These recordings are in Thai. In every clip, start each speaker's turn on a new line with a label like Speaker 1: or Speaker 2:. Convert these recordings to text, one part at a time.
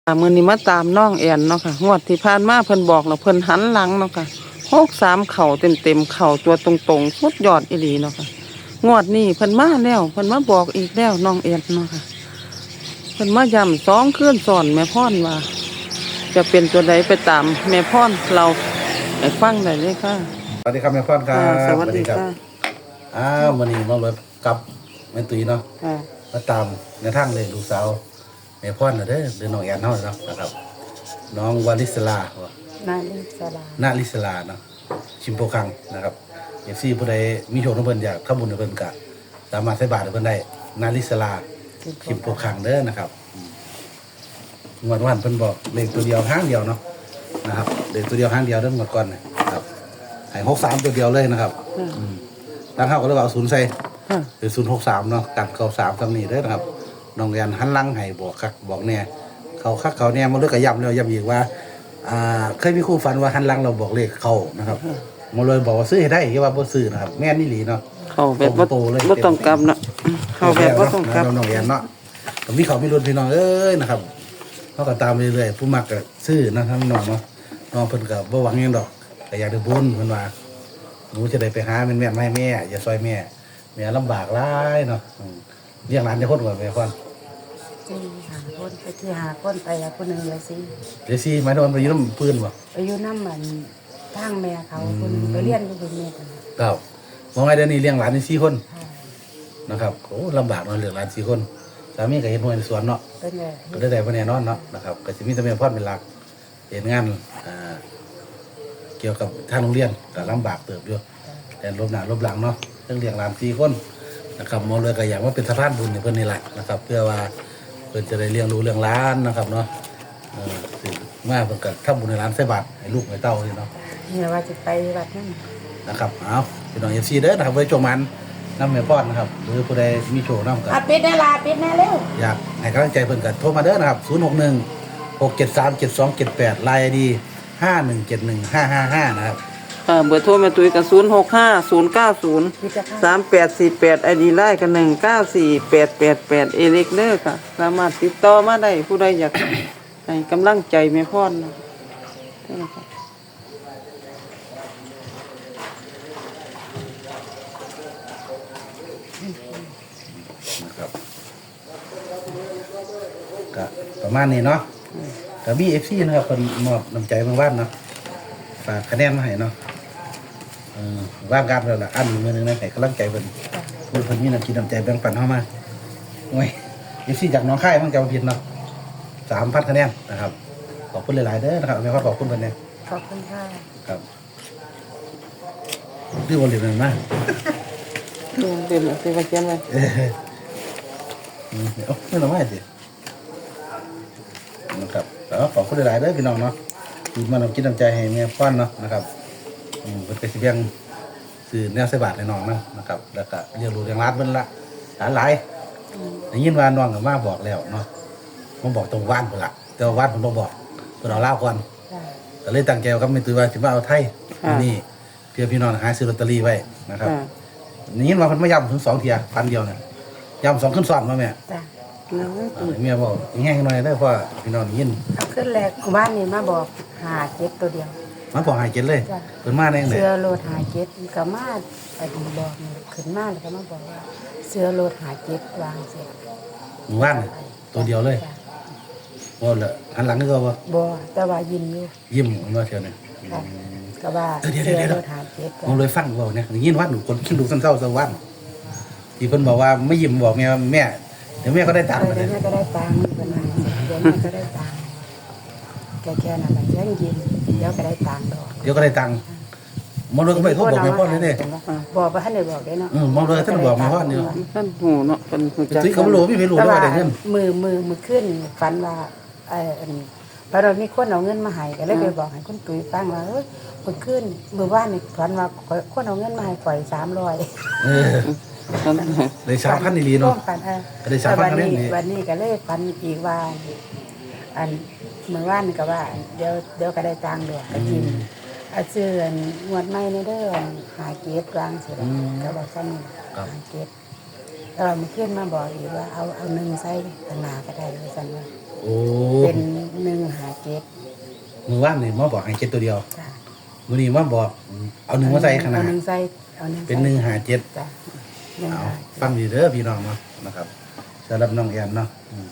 Speaker 1: มื้อนี้มาตามน้องแอนเนาะค่ะงวดที่ผ่านมาเพิ่นบอกแล้วเพิ่นหันหลังเนาะค่ะ63เข่าเต็มๆเข่าตัวตรงๆสุดยอดอีหลีเนาะค่ะงวดนี้เพิ่นมาแล้วเพิ่นมาบอกอีกแล้วน้องแอนเนาะค่ะเพิ่นมาย้ำ2คืนซ้อนแม่พรว่าจะเป็นตัวใดไปตามแม่พรเราให้ฟังได้เลยค่ะ
Speaker 2: สวัสดีครับแม่พ่อนครับ
Speaker 1: สวัสดีค่ะ
Speaker 2: วันนี้มาเลยกับแม่ตุ้ยเนาะ
Speaker 1: ค่ะ
Speaker 2: มาตามในทางเลยลูกสาวแม่พ่อนเด้อหรือน้องแอนเนาะนะครับน้องวาลิสลา
Speaker 1: นาลิสลา
Speaker 2: นาลิสลาเนาะชิมโปคังนะครับเอฟซีผู้ใดมีโชคน้ำเพิ่นอยากทำบุญกับเพิ่นก็สามารถใส่บาตรให้เพิ่นได้นาลิสลาชิมโปคังเด้อนะครับงวดวันเพิ่นบอกเลขตัวเดียวห้างเดียวเนาะนะครับเลขตัวเดียวห้างเดียวเด้อหมดก่อนนะครับให้63ตัวเดียวเลยนะครับตั้งเข้าก็เลยว่า0ใส่เป็น063เนาะกันเข้า3ตำนี้เด้อนะครับน้องแอนหันหลังให้บอกคักบอกแน่เขาคักเขาแน่มาเลยก็ย้ำแล้วย้ำอีกว่าเคยมีคู่ฝันว่าหันหลังเราบอกเลขเข้านะครับมาเลยบอกว่าซื้อให้ได้ที่ว่าบ่ซื้อนะครับแม่นนี่หลีเนาะ
Speaker 1: เข้าแบบบ่ต้องกลับเนาะเข้าแบบบ่ต้องกลับ
Speaker 2: น้องแอนเนาะก็มีเขามีรุ่นพี่น้องเอ้ยนะครับเฮาก็ตามเรื่อยๆผู้มักก็ซื้อนะครับน้องเนาะน้องเพิ่นก็บ่หวังหยังดอกก็อยากได้บุญเพิ่นว่าหนูจะได้ไปหาแม่นๆมาให้แม่อย่าซอยแม่ลำบากหลายเนาะเลี้ยงหลานจะคนกว่าแม่ก่อน
Speaker 3: ที่หาคนไปที่หาคนไปแล้วคนหนึ่งเลยสิ
Speaker 2: เดี๋ยวสิหมายถึงไปอยู่น้ำปืนบ่
Speaker 3: ไปอยู่น้ำมันทางแม่เขาคนไปเรียนก็เป็นแม่กัน
Speaker 2: ครับมองไงเดี๋ยวนี้เลี้ยงหลาน4คนนะครับโอ้ลำบากเนาะเลี้ยงหลาน4คนสามีก็เฮ็ดหน่วยในสวนเนาะ
Speaker 3: เป็นไง
Speaker 2: ก็ได้บ่แน่นอนเนาะนะครับก็สิมีแต่แม่พ่อเป็นหลักเฮ็ดงานเกี่ยวกับทางโรงเรียนก็ลำบากเติบอยู่แต่ลบหน้าลบหลังเนาะเรื่องเลี้ยงหลาน4คนนะครับมองเลยก็อยากว่าเป็นสะพานบุญให้เพิ่นนี่แหละนะครับเพื่อว่าเพิ่นจะได้เลี้ยงดูเรื่องหลานนะครับเนาะถึงมาเพิ่นก็ทำบุญให้หลานใส่บาตรให้ลูกให้เต้านี่เนาะ
Speaker 3: เนี่ยว่าจะไปวัดนั่น
Speaker 2: นะครับเอาพี่น้อง FC เด้อนะครับไว้ชมมันน้ำแม่ป้อนนะครับหรือผู้ใดมีโชว์น้ำกัน
Speaker 3: ปิดแน่ล่ะปิดแน่เร็ว
Speaker 2: อยากให้กำลังใจเพิ่นก็โทรมาเด้อนะครับ0616737278 ไลน์ ID 51715555นะครับ
Speaker 1: เบอร์โทรแม่ตุ้ยก็0650903848 ID ไลน์ก็194888เอเล็กเด้อค่ะสามารถติดต่อมาได้ผู้ใดอยากให้กำลังใจแม่พรนะ
Speaker 2: นะครับก็ประมาณนี้เนาะกับ BFC นะครับเป็นมอบน้ำใจบางบ้านเนาะฝากคะแนนมาให้เนาะว่างการแล้วล่ะอันมือนึงนะให้กำลังใจเพิ่นเพิ่นมีน้ำจิตน้ำใจแบ่งปันเข้ามาโอ้ย BFC จากน้องค่ายมั่งจำผิดเนาะ3,000คะแนนนะครับขอบคุณหลายๆเด้อนะครับแม่ขอบคุณเพิ่นเนี่ย
Speaker 3: ขอบคุณค่ะ
Speaker 2: ครับดื้อบ่เหลือนั่นมา
Speaker 1: เป็นสิว่าเขียนไว้
Speaker 2: เดี๋ยวไม่ต้องมาสินะครับขอบคุณหลายๆเด้อพี่น้องเนาะที่มาน้ำจิตน้ำใจให้แม่ป้อนเนาะนะครับเป็นกระสิบยังสื่อแนวใส่บาทในน้องนะครับแล้วก็เรียนรู้เรียงรัดเพิ่นละหลายได้ยินว่าน้องก็มาบอกแล้วเนาะมาบอกตรงว่านเพิ่นละแต่ว่าว่านเพิ่นบ่บอกเพิ่นเอาลาวก่อนก็เลยตั้งใจกับแม่ตุ้ยว่าสิมาเอาไทยนี่เพื่อพี่น้องหาซื้อลอตเตอรี่ไว้นะครับได้ยินว่าเพิ่นมาย้ำถึง2เที่ยพันเดียวเนี่ยย้ำ2ขึ้นซ้อนมาแม่เมียบอกแห้งหน่อยเด้อเพราะพี่น้องได้ยิน
Speaker 3: เอาขึ้นแรกบ้านนี้มาบอกหาเจ็ดตัวเดียว
Speaker 2: มาบอกหายเจ็ดเลยเพิ่นมาได้จังได๋
Speaker 3: เสือโลดหาเจ็ดก็มาไปดีบอกขึ้นมาแล้วก็มาบอกว่าเสือโลดหาเจ็ดวางเสร็จ
Speaker 2: หมู่บ้านตัวเดียวเลยบ่ละหันหลังนึกว่า
Speaker 3: บ่แต่ว่ายิ้มอยู่
Speaker 2: ยิ้มมาเที่ยวนี่
Speaker 3: ก็ว่า
Speaker 2: เดี๋ยวๆผมเลยฟังเว้าเนี่ยได้ยินว่าหนูคนคิดดูซ้ำๆซะวันที่เพิ่นบอกว่าไม่ยิ้มบอกแม่เดี๋ยวแม่ก็ได้ตังค์
Speaker 3: เดี๋ยวแม่ก็ได้ตังค์เพิ่นว่าเดี๋ยวแม่ก็ได้ตังค์แค่นั้นแหละยังยิ้มเดี๋ยวก็ได้ตังค์ดอก
Speaker 2: เดี๋ยวก็ได้ตังค์มองเลยก็ไม่โทรบอกแม่พ่อเลยเด้
Speaker 3: บอกว่าท่านได้บอกได้เนาะ
Speaker 2: มองเลยท่านบอกแม่พ่อนี่
Speaker 1: ท่านหูเนาะเพิ่นฮู้จัก
Speaker 2: สิเขาบ่รู้มีไม่รู้ว่าได้เงิน
Speaker 3: มือขึ้นฝันว่าพอเรามีคนเอาเงินมาให้ก็เลยไปบอกให้คุณตุ้ยฟังว่ามือขึ้นมือว่านนี่ฝันว่าคนเอาเงินมาให้ข่อย300
Speaker 2: ได้3,000นี่ลีเนาะได้3,000คะแนนนี่
Speaker 3: วันนี้ก็เลยฝันอีกว่าอันมือว่านก็ว่าเดี๋ยวก็ได้ตังค์ดอกก็กินซื้องวดใหม่ในเด้อหาเก็บกลางเสร็จก็บอกซ้ำหาเก็บแล้วมันขึ้นมาบอกอีกว่าเอา1ใส่ตนาก็ได้เลยสั่นว่าเป็นจ็ด
Speaker 2: มือว่านนี่มาบอกให้7ตัวเดียว
Speaker 3: จ้ะ
Speaker 2: มื้อนี้มาบอกเอา1มาใส่ข้างหน้า
Speaker 3: เอาหนึ่งใส่เอาหนึ่ง
Speaker 2: เป็น157
Speaker 3: จ้ะหนึ่ง
Speaker 2: เอา
Speaker 3: ห้า
Speaker 2: ฟังดีเด้อพี่น้องเนาะนะครับสำหรับน้องแอนเนาะ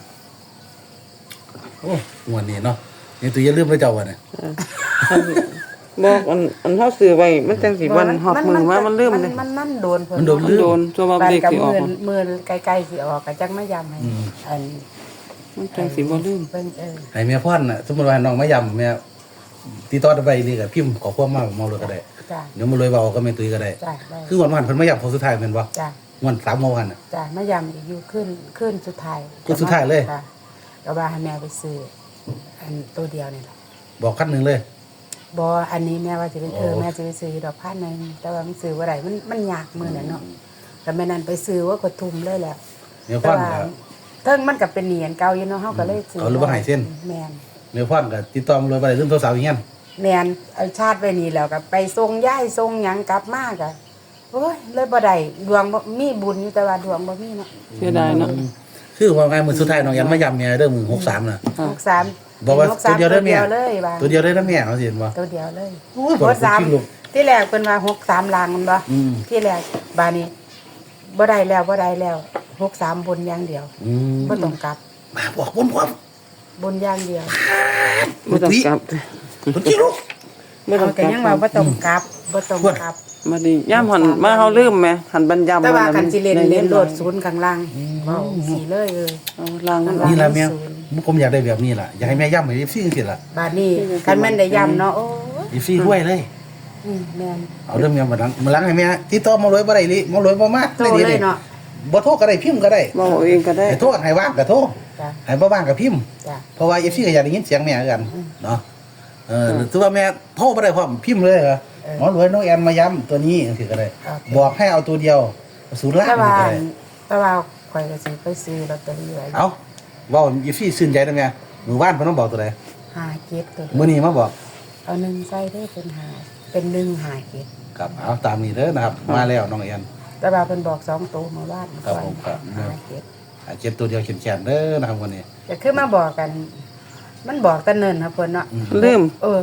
Speaker 2: โอ้งวดนี้เนาะนี่ตัวอย่าลืมไปเจ้าว่ะเนี่ย
Speaker 1: บอกอันเฮาซื้อไว้มันจังสิวันฮอดมือว่ามันลืมเลย
Speaker 3: มันโดนเพิ่
Speaker 2: มันโดนลืม
Speaker 1: โดนตัวว่า
Speaker 3: บ้าน
Speaker 1: เด็ก
Speaker 3: กับ
Speaker 1: สิออก
Speaker 3: มือใกล้ๆสิออกก็จักมายำให้อัน
Speaker 1: มันจังสิบ่ลืม
Speaker 3: เพิ่น
Speaker 2: ให้แม่พ่อนน่ะสมมุติว่าน้องมายำแม่ติดต่อไปนี่ก็พิมพ์ขอความมาเลยก็ได้
Speaker 3: จ้ะ
Speaker 2: เดี๋ยวมาเลยเว้าก็แม่ตุ้ยก็ได้
Speaker 3: จ้ะได้
Speaker 2: คือวันๆเพิ่นมายำคนสุดท้ายแม่นบ่
Speaker 3: จ้ะ
Speaker 2: วัน3เมื่อวานน่ะ
Speaker 3: จ้ะมายำอีกอยู่ขึ้นสุดท้าย
Speaker 2: ขึ้นสุดท้ายเลย
Speaker 3: จ้ะก็ว่าให้แม่ไปซื้ออันตัวเดียวนี่แหละ
Speaker 2: บอกคันหนึงเลย
Speaker 3: บ่อันนี้แม่ว่าสิเป็น
Speaker 2: โอ้
Speaker 3: แม่สิไปซื้อดอกพันหนึงแต่ว่ามันซื้อบ่ได้มันยากมื้อนั้นเนาะแต่แม่นั้นไปซื้อว่าก็ทุ่มเลยแหล้ว
Speaker 2: แม่
Speaker 3: แต่
Speaker 2: พ่อน
Speaker 3: ว่า
Speaker 2: ก็
Speaker 3: เทิงมันก็เป็นเหรียญเก่าอยู่เนาะเฮาก็เลยซื้อ
Speaker 2: เขาเลยบ่ให้เส้น
Speaker 3: แม่น
Speaker 2: แม่พ่อนก็ติดต่อมาเลยบ่ได้ลืมโทรศัพท์อีกเงี้ย
Speaker 3: แม่นเอาชาติไว้นี่แล้วก็ไปส่งย้ายส่งหยังกลับมาก็โอ้ยเลยบ่ได้ดวงบ่มีบุญอยู่แต่ว่าดวงบ่มีเนาะ
Speaker 1: เสียดายเนาะ
Speaker 2: คือว่าไงมื้อสุดท้ายน้องยันมายำแม่เด้อมื้อ63น่ะ
Speaker 3: 63
Speaker 2: บอกว่าตัวเดียวได้แม่
Speaker 3: ตัวเดียวเลยว่า
Speaker 2: ตัวเดียวได้นะแม่เอาสิเห็นบ่
Speaker 3: ตัวเดียวเลย
Speaker 2: โอ้ยบอกจริงลูก
Speaker 3: ที่แรกเพิ่นว่า63ลางมันบ่
Speaker 2: อืม
Speaker 3: ที่แรกบาดนี้บ่ได้แล้ว63บนอย่างเดียว
Speaker 2: อืม
Speaker 3: บ่ต้องกลับ
Speaker 2: มาบอกบนความ
Speaker 3: บนอย่างเดียว
Speaker 1: บ่ต้องกลับ
Speaker 2: บนที่ลูก
Speaker 1: บ่ต้
Speaker 3: เอา
Speaker 1: องก
Speaker 3: แต่
Speaker 1: ลับ
Speaker 3: ยังว่าบ่ต้องกลับบ่ต้องกลับ
Speaker 1: มาดิย่ามหันมาเฮาลืมแหมหันบรรยาม
Speaker 3: แต่ว่าคันสิเล่น
Speaker 1: ได้
Speaker 3: เล่นโลด
Speaker 1: หน่อย
Speaker 3: ศูนย์ข้างล่างเว้าสีเลย
Speaker 1: เอาล่างมัน
Speaker 2: นี่ล่ะแม่
Speaker 3: ศูนย์
Speaker 2: ผมอยากได้แบบนี้ล่ะอยากให้แม่ย่ำให้ซี่จังซี่ล่ะ
Speaker 3: บาดนี้คันแม่นได้ย้ำเนาะโอ้ย
Speaker 2: ซี่ห้วยเลย
Speaker 3: แม่น
Speaker 2: เอาเรื่องแม่มาดังมาล้างให้แม่ติดต่อมาเลยบ่ได้ลิมาเลยบ่มา
Speaker 3: โตเลยเนาะ
Speaker 2: บ่โทรก็ได้พิมพ์ก็ได้
Speaker 1: เว้าเองก็ได้
Speaker 2: ให้โทรให้ว่างก็โทร
Speaker 3: จ้ะ
Speaker 2: ให้บ่ว่างก็พิมพ์
Speaker 3: จ้ะ
Speaker 2: เพราะว่า FC ก็อยากได้ยินเสียงแม่คือกันเนาะถือว่าแม่โทรบ่ได้พร้อมพิมพ์เลยเหรอหมอรวยน้องแอนมาย้ำตัวนี้จังซี่ก็ได้ บอกให้เอาตัวเดียวศูนย์ล่าง
Speaker 3: แต่
Speaker 2: นี่
Speaker 3: ว่า
Speaker 2: ก็ได้
Speaker 3: แต่ว่าข่อยก็สิไปซื้อลอตเตอรี่ไว้
Speaker 2: เอาเว้าอีฟี่ซื่นใจได้แม่มื้อวานเพิ่นมาบอกตัวใด
Speaker 3: 5เก็บตัวเดียว
Speaker 2: มื้อนี้มาบอก
Speaker 3: เอาหนึ่งใส่ได้เป็นหาเป็น1 5เก็บ
Speaker 2: ครับเอาตามนี้เด้อนะครับ มาแล้วน้องแอน
Speaker 3: แต่ว่าเพิ่นบอก2ตัวเมื่อวาน
Speaker 2: ครับผมครับ
Speaker 3: 5เก็บ
Speaker 2: เจ็ดตัวเดียวแขนๆเด้อนะครับวันนี้
Speaker 3: ก็คือมาบอกกัน มันบอกแต่เนิ่นครับเพิ่นเนาะ
Speaker 1: ลืม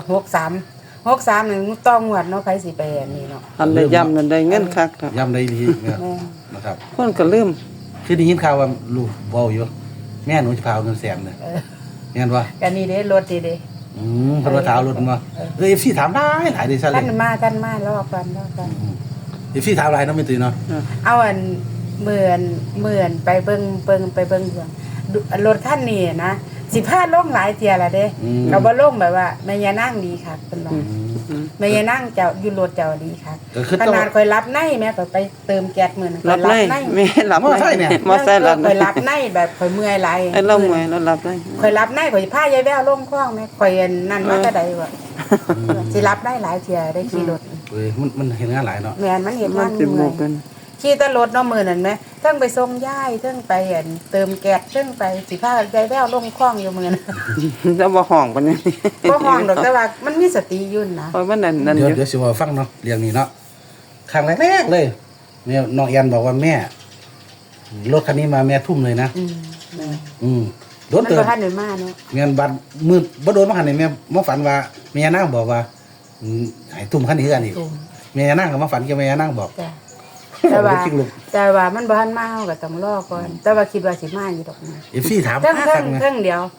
Speaker 3: 63นี่ต้องงวดเนาะใครสิไปอันนี้เนาะ
Speaker 1: หันได้ย่ำนั่นได้เงินคักครับ
Speaker 2: ย้ำได้ดีเนี่ย
Speaker 3: แม่
Speaker 2: นะครับ
Speaker 1: คนก็ลืม
Speaker 2: คือได้ยินข่าวว่าลูกเว้าอยู่แม่หนูจะพาเอาเงินแสนเลยแม่นบ่
Speaker 3: กันนี่เด้รถดีเด้
Speaker 2: เพิ่นว่าถามรถมาFC ถามได้หลายเด้ซะเล
Speaker 3: ท่าย นมารอกัน
Speaker 2: FC ถามหลายเนาะแม่ตุ้ยเนาะ
Speaker 3: เอาอันเหมือนไปเบิ่งเรื่องรถคันนี้นะสิพาลงหลายเที่ยละเด้ก็บ่ลงแบบว่าแม่ยานางดีค่ะเพิ่นว่าแม่ยานางเจ้าอยู่รถเจ้าดีค่ะ
Speaker 2: ก็คือ
Speaker 3: ข
Speaker 2: ต้อง
Speaker 3: นาดข่อยรับในแม่ข่อยไปเติมแก๊สมื้อนั้น
Speaker 1: รับได้แม่รับได้มอไซค์รับ
Speaker 3: ข่
Speaker 1: ได้
Speaker 3: อยรับในแบบข่อยเมื่อยหลาย
Speaker 1: ไอ้เราเมื่อยเรารับได้
Speaker 3: ข่อยรับในข่อยพายายแววลงคลองแม่ข่อยอันนั่นมาแต่ใดวะสิรับได้หลายเที่ยได้ขี่รถ
Speaker 2: เอ้ยมันเห็นงานหลายเนาะ
Speaker 3: แม่นมันเห็น
Speaker 1: มั
Speaker 3: มัน น
Speaker 1: สิบโม
Speaker 3: เมื่อย
Speaker 1: กัน
Speaker 3: ขี่แต่รถเนาะมื้อนั้นแหมเทิงไปส่งยายเทิงไปอันเติมแก๊สเทิงไปสิพายายแววลงคลองอยู่มื้อนั้น
Speaker 1: แล้วบ่ห้องปานนี้
Speaker 3: บ่ห้องดอกแต่ว่ามันมีสติอยู่นะ
Speaker 1: เพราะมันนั่นอ
Speaker 2: เดี๋ยว
Speaker 1: ยู่
Speaker 2: เดี๋ยวสิว่าฟังเนาะเรื่องนี้เนาะครั้งแรกๆเลยแม่น้องแอนบอกว่าแม่รถคันนี้มาแม่ทุ่มเลยนะ โดน
Speaker 3: มัน
Speaker 2: เติ
Speaker 3: บ่
Speaker 2: ม
Speaker 3: ทันได้มาเนาะ
Speaker 2: เงินบัตรมือบ่โดนมาหันนี่แม่มาฝันว่าแม่ย่านางบอกว่าให้ทุ่มคันนี้คือกันอีก
Speaker 3: ตุ่ม
Speaker 2: แม่ย่านางก็มาฝันกับแม่ย่านางบอก
Speaker 3: จ้ะแต่ว่า
Speaker 2: จริงลูก
Speaker 3: แต่ว่ามันบ่ทันมาเฮาก็ต้องรอก่อนแต่ว่าคิดว่าสิมาอยู่ดอกนะ
Speaker 2: เอฟซีถาม
Speaker 3: เทิง
Speaker 2: หา
Speaker 3: เทิ
Speaker 2: คั
Speaker 3: ง
Speaker 2: กนะ
Speaker 3: เทิงเดียว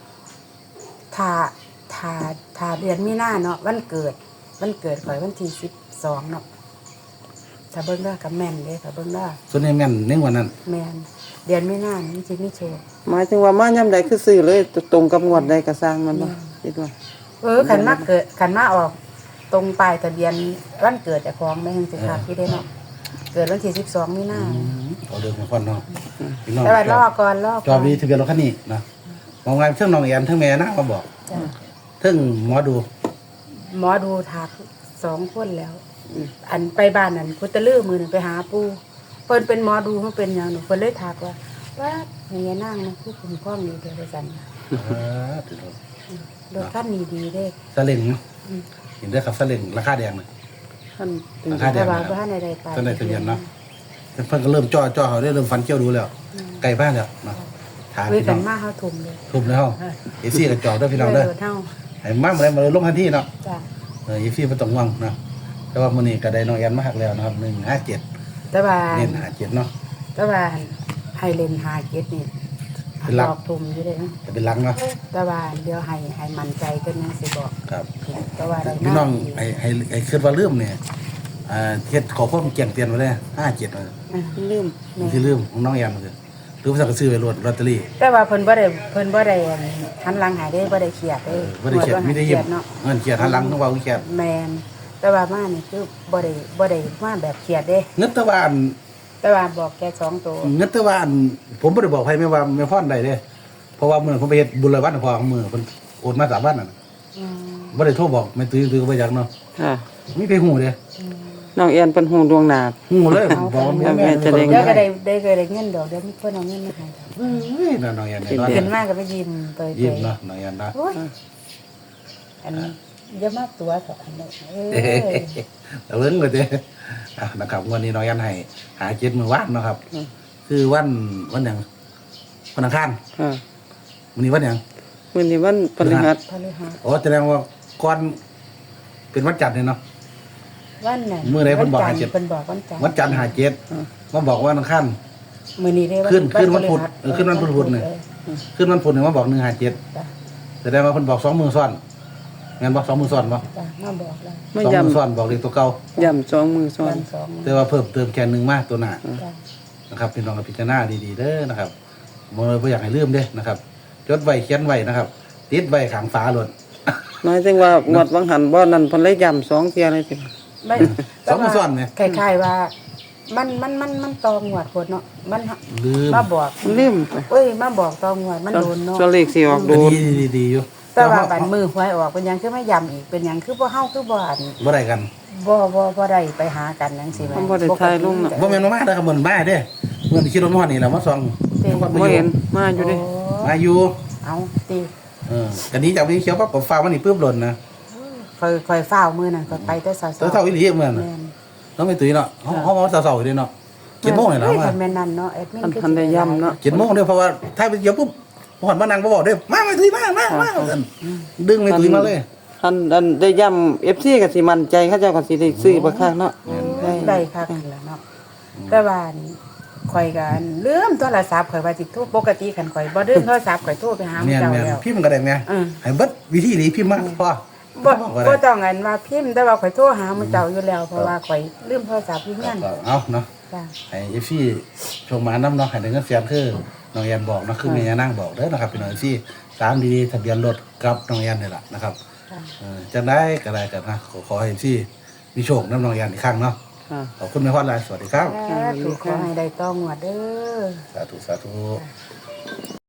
Speaker 3: ถ้าเดือนมีนาเนาะวันเกิดข่อยวันที่12เนาะถ้าเบิ่งได้กับแม่นเด้ถ้าเบิ่งได้
Speaker 2: ส่วนนี้แม่นในวันนั้น
Speaker 3: แม่นเดือนมีนามันสิมีโชค
Speaker 1: หมายถึงว่ามาย่ำใดคือซื้อเลยตรงกับงวดใดก็สร้างมันบ่คิดว่า
Speaker 3: ขันมาออกตรงปลายทะเบียนวันเกิดเจ้าของแม่นสิครับที่ได้เนาะเกิดวันที่12มีนา
Speaker 2: เอาเดินมาก่อนเนาะพี่น้อง
Speaker 3: แต่ว่ารอก่อน
Speaker 2: จอมีทะเบียนรถคันนี้นะมองไงเทิงน้องแอนเทิงแม่ย่านางมาบอก
Speaker 3: จ้ะ
Speaker 2: เทิงหมอดู
Speaker 3: หมอดูทัก2คนแล้ว อันไปบ้านนั่นพุทธลือมือนึงไปหาปู่เพิ่นเป็นหมอดูเพิ่นเป็นหยังหนูเพิ่นเลยทักว่าแม่นางนะผู้คุ้มครองดีเด้อว่าซั่นน่ะรถคันนี้ดีเด้
Speaker 2: ซาเล้งเนาะเห็นได้ครับซาเล้งราคาแดงเลย
Speaker 1: ท่านเป็น
Speaker 2: ราคาแด
Speaker 3: แต่
Speaker 2: ง
Speaker 3: ว่า
Speaker 2: นะค
Speaker 3: บ่
Speaker 2: รับ
Speaker 3: ทันได้ไป
Speaker 2: ตอนไหนทะเบียนเนาะเพิ่นก็เริ่มจ่อเขาได้เริ่มฟันเกี้ยวดูแล้วไก่บ้านแล้วเนาะถาม
Speaker 3: เว้ย
Speaker 2: พี่
Speaker 3: กั
Speaker 2: น้อน ง
Speaker 3: มาเฮาทุ่มเลย
Speaker 2: ทุบแล้วเอซี่กับจอกด้วยพี่น้องเด้อ
Speaker 3: เฮา
Speaker 2: ให้มาเมื่อไรมาเลยลงทันทีเนาะ
Speaker 3: จ้ะ
Speaker 2: อีฟี่บ่ต้องห่วงเนาะแต่ว่ามื้อนี้ก็ได้น้องแอนมาหักแล้วนะครับ157
Speaker 3: แต่ว่า
Speaker 2: เน้น57เนาะ
Speaker 3: แต่ว่าให้เล่นหาเก็ดนี่
Speaker 2: เป็นหลัก
Speaker 3: ดอกทุ่มอยู่เด้นะ
Speaker 2: จะเป็นหลังเนาะ
Speaker 3: แต่ว่าเดี๋ยวให้มั่นใจกันยังสิบอก
Speaker 2: ครับ
Speaker 3: แต่ว่าได้
Speaker 2: พี่น้อง
Speaker 3: ดี
Speaker 2: ไอ้คิดว่าลืมเนี่ยเฮ็ดขอความแจ้งเตือนไว้เลย57มัน
Speaker 3: ลืม
Speaker 2: มันสิลืมของน้องแอนมันคือหรือว่าจะซื้อไว้ลอตเตอรี่
Speaker 3: แต่ว่าเพิ่นบ่ได้หันหลังหายได้บ่ได้เครียดเด้
Speaker 2: บ่ได้เขียนไม่ได้ยิ้ม
Speaker 3: เนาะ
Speaker 2: เงินเขียนหันหลังต้องว่าเขียน
Speaker 3: แม่นแต่ว่ามานี่คือบ่ได้มาแบบเครียดเด้
Speaker 2: เงินแตะวัน
Speaker 3: แต่ว่าบอกแค่2ตัว
Speaker 2: เงินแตะวันผมบ่ได้บอกใครไม่ว่าไม่พรใดเด้เพราะว่ามื้อผมไปเฮ็ดบุญรายวันพอของมื้อเพิ่นโอนมา3วันน่ะ
Speaker 3: อืม
Speaker 2: บ่ได้โทรบอกแม่ตื้อก็บ่อยากเนาะ
Speaker 1: ค่ะ
Speaker 2: มีไปฮู้เด้
Speaker 1: น้องแอนเป็นหูดวงหนา
Speaker 2: ฮู้เลยบอกว่า
Speaker 1: แม่จะได้
Speaker 3: เดี๋ยวก็ได้เงินดอกเดี๋ยวเพิ่นเอาเงินมาให้ดอก
Speaker 2: เอ้ยน้องแอนเนี่ย
Speaker 3: ขึ้นมาก็ไปยิ้มเปิด
Speaker 2: ยิ้มเนาะน้องแอนเนาะ
Speaker 3: โอ้ยอันอย่ามาตัวเถอะอันนี้
Speaker 2: เอาเรื่องเลยเด้นะครับวันนี้น้องแอนให้หาเจ็ดมื้อวานเนาะครับ คือวันหยังวันอังคาร
Speaker 1: ค่ะ
Speaker 2: วันนี้วันหยัง
Speaker 1: มื้อนี้วันพฤหัส
Speaker 3: พฤหัส
Speaker 2: อ๋อแสดงว่าก่อนเป็นวันจันทร์เนี่ยเนาะ
Speaker 3: วันน่ะ
Speaker 2: มื้อใดเพิ่นบอกให้เจ็ด
Speaker 3: เพิ่นบอกวันจันทร์
Speaker 2: วันจันทร์หาเจ็ดมาบอกว่าวันอังคาร
Speaker 3: มื้อนี้เด้
Speaker 2: ขึ้นวันพุธขึ้นวันพุธเนี่ย ขึ้นวันพุธเนี่ยมาบอก157
Speaker 3: จ้ะ
Speaker 2: แสดงว่าเพิ่นบอก2มื้อซ้อนงั้นบอก2มื้อซ้อนบ่
Speaker 3: จ้ะมาบอกแล้ว
Speaker 1: มา
Speaker 2: 2
Speaker 1: ย่ำ
Speaker 2: มื้อซ้อนบอกเลขตัวเก่า
Speaker 1: ย่ำ2มือซ้อ
Speaker 3: วัน นสอง
Speaker 2: แต่ว่าเพิ่มเติมแค่1มาตัวหน้า
Speaker 3: จ้ะ
Speaker 2: นะครับพี่น้องกับพิจารณาดีๆเด้อนะครับบ่อยากให้ลืมเด้อนะครับจดไว้เขียนไว้นะครับ ติดไว้ข้างฝาโลด
Speaker 1: หมายถึงว่างวดวังหันบ่นั่นเพิ่นเลยย่ำ2เที่ยเลยติ
Speaker 3: ไม่
Speaker 2: สองมื้อซ้อนไหม
Speaker 3: คล้ายๆว่ามันตองหวดโพดเนาะมัน
Speaker 2: ลืม
Speaker 3: มาบอก
Speaker 1: มันลืมไป
Speaker 3: เอ้ยมาบอกตองหวดมันโดนเนาะ
Speaker 1: ส่วนเลขสิออกโดน
Speaker 2: ดีอยู่
Speaker 3: แต่ว่าบัดมือหวยออกเป็นหยังคือไม่ย้ำอีกเป็นหยังคือบ่เฮาคือบ่อัน
Speaker 2: บ่ได้กัน
Speaker 3: บ่ได้ไปหากันจังซี่แหม
Speaker 1: มันบ่ได้ถ่ายลงน่ะ
Speaker 2: บ่แม่นมาเด้อครับบ่มาเด้อเมื่อที่ขี่รถมาฮอดนี่แหละมาส่อง
Speaker 1: บ่เห็นมาอยู่เดิ
Speaker 2: มาอยู่
Speaker 3: เอาติ
Speaker 2: กันนี้จากนี้เขียวปั๊บก็ฟ้ามันนี่ปึ๊บหล่นนะ
Speaker 3: ค่อยฟ้าวมื้อนั้นก็ไปแต่เช้า
Speaker 2: เท่าอีหลีเหมือน
Speaker 3: แม่น
Speaker 2: ต้องไม่ตุ้ยเนาะเฮาเช้าๆอยู่เด้เนาะ7:00นนี่ล่ะ
Speaker 3: เฮ้ย
Speaker 2: มา
Speaker 3: คันแม่นนั่นเนาะแอดมิน
Speaker 1: ทันได้ย่ำเนาะ
Speaker 2: 7:00นเด้อเพราะว่าถ้าไปเดี๋ยวปุ๊บฮอดมานั่งบ่บอกเด้อมาไม่ตุ้ยมาดึงไม่ตุ้ยมาเลย
Speaker 1: อันได้ย่ำ FC ก็สิมั่นใจเขาเจ้าก็สิได้ซื้อบ่คักเนาะ
Speaker 3: ได้คักนั่นล่ะเนาะแต่ว่าข่อยก็ลืมโทรศัพท์ข่อยว่าสิโทรปกติคันข่อยบ่ลืมโทรศัพท์ข่อยโทรไปหาหมู่
Speaker 2: แม่น
Speaker 3: เจ้า
Speaker 2: แม่น
Speaker 3: แล้ว
Speaker 2: พิมพ์ก็ได้แม่
Speaker 3: อืม
Speaker 2: ให้เบิดวิธีนี้พิมพ์มาพอ
Speaker 3: บ่ต้องอันว่าพิมพ์แต่ว่าข่อยโทรหาหมู่เจ้าอยู่แล้ว เพราะว่าข่อยลืมโทรศัพท์อยู่เฮียน
Speaker 2: เอาเนาะ
Speaker 3: จ้ะ
Speaker 2: ให้เอฟซี่ชมมาน้ำเนาะให้ได้เงินแสนคือน้องแอนบอกเนาะคือแม่ย่านางบอกเด้อนะครับพี่น้องเอฟซี่ตามดีๆทะเบียนรถกับน้องแอนนี่แหละนะครับ
Speaker 3: จ้ะ
Speaker 2: จะได้ก็ได้กันนะขอให้เอฟซี่มีโชคน้ำน้องแอนอีกครั้งเนาะ
Speaker 1: ค่ะ
Speaker 2: ขอบคุณแม่พอดหลายสวัสดีครับ
Speaker 3: ถูกขอให้ได้ต้องหวดเด้อ
Speaker 2: สาธุ